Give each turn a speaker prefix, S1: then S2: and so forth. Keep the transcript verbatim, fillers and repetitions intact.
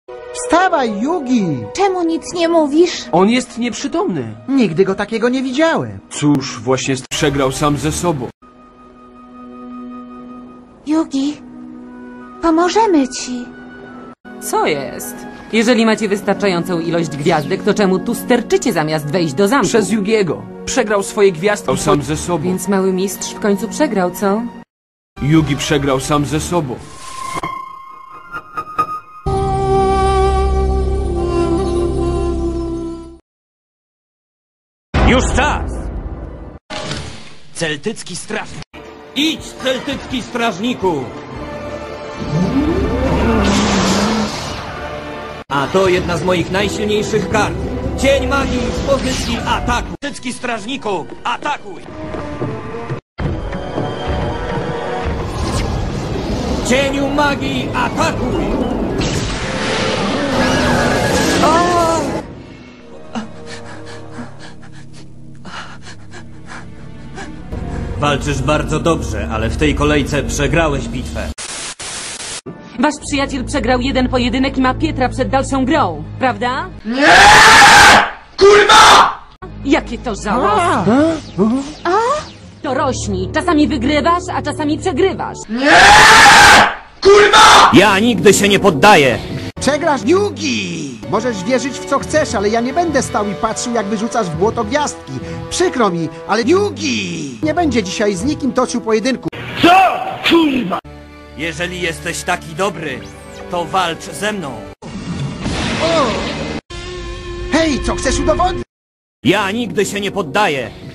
S1: Wstawaj, Yugi!
S2: Czemu nic nie mówisz?
S3: On jest nieprzytomny.
S1: Nigdy go takiego nie widziałem.
S3: Cóż, właśnie przegrał sam ze sobą.
S2: Yugi, pomożemy ci.
S4: Co jest? Jeżeli macie wystarczającą ilość gwiazdek, to czemu tu sterczycie zamiast wejść do zamku?
S3: Przez Yugiego. Przegrał swoje gwiazdki sam ze sobą.
S4: Więc mały mistrz w końcu przegrał, co?
S3: Yugi przegrał sam ze sobą.
S5: Już czas! Celtycki strażnik. Idź, celtycki strażniku! A to jedna z moich najsilniejszych kart. Cień magii w pozycji ataku. Celtycki strażniku, atakuj! Cieniu magii, atakuj! O! Walczysz bardzo dobrze, ale w tej kolejce przegrałeś bitwę.
S4: Wasz przyjaciel przegrał jeden pojedynek i ma Pietra przed dalszą grą, prawda?
S1: Nie! Kurwa!
S4: Jakie to żałosne! To rośnij. Czasami wygrywasz, a czasami przegrywasz.
S1: Nie! Kurwa!
S5: Ja nigdy się nie poddaję!
S1: Przegrasz, Yugi! Możesz wierzyć w co chcesz, ale ja nie będę stał i patrzył, jak wyrzucasz w błoto gwiazdki. Przykro mi, ale Yugi nie będzie dzisiaj z nikim toczył pojedynku.
S5: Co? Kurwa! Jeżeli jesteś taki dobry, to walcz ze mną.
S1: O! Hej, co chcesz udowodnić?
S5: Ja nigdy się nie poddaję!